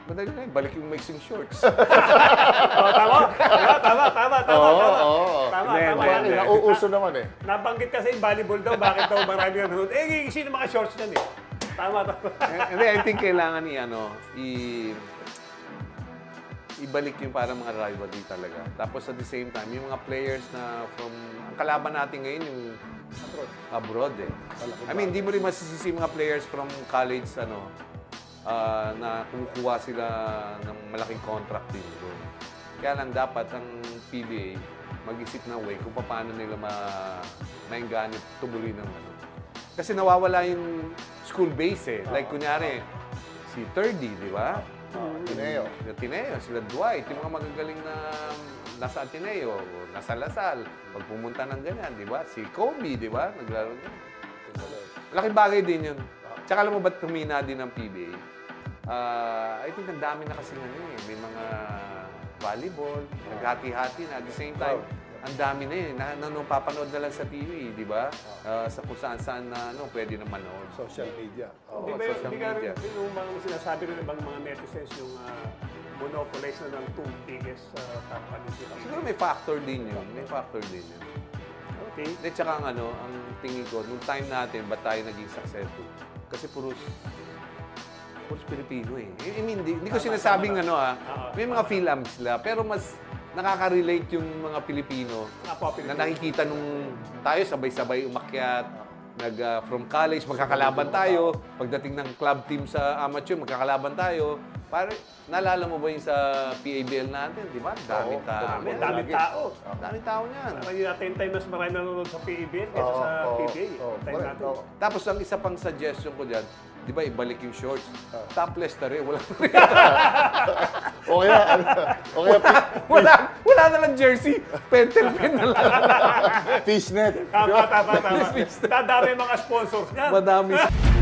madali na yun. Balik yung mixing shorts. Tama. Hindi. Nauuso naman eh. Nabanggit kasi yung volleyball daw, bakit daw marami nanonood? Eh, sino mga shorts yan eh? Tama. Hindi, I think kailangan ibalik yung parang mga rivalry talaga. Tapos at the same time, yung mga players na ang kalaban natin ngayon yung abroad eh. I mean, hindi mo rin masisisi mga players from college, na kumukuha sila ng malaking contract din doon. Kaya lang dapat ang PBA mag-isip ng way kung paano nila maingganit tubuloy ng Kasi nawawala yung school base eh. Like kunyari, si Thirdy, di ba? Ateneo, sila Dwight, yung mga magagaling na nasa Ateneo, nasa Lasal, pag pumunta ng ganyan, di ba? Si Kobe, di ba? Naglaro niya. Laking bagay din yun. Tsaka alam mo ba't tumina din ng PBA? I think ang dami na kasi may mga volleyball, naghati-hati na. At the same time, ang dami na yun. Papanood na lang sa TV, di ba? Sa kung saan-saan na pwede na manood. Social media. Di ba yung mga sinasabi rin ng mga netizens yung monopolize na ng two biggest companies. Siguro may factor din yun. Okay. At saka ang tingin ko, nung time natin, ba't tayo naging successful? Kasi puros Pilipino eh. I mean, hindi ko sinasabing may mga film sila, pero mas nakaka-relate yung mga Pilipino na nakikita nung tayo sabay-sabay umakyat, from college, magkakalaban tayo, pagdating ng club team sa amateur, magkakalaban tayo. Pare, naalala mo ba yung sa PABL natin, di ba? Daming tao. Daming tao niyan. Parang yun natin time mas marami nanonood sa PABL kaysa sa PBA. Time natin. Tapos ang isa pang suggestion ko dyan, di ba, ibalik yung shorts. Topless na rin. Wala na lang jersey. Pentel pen na lang. Fishnet. Tama. Dadami mga sponsors niyan. Madami.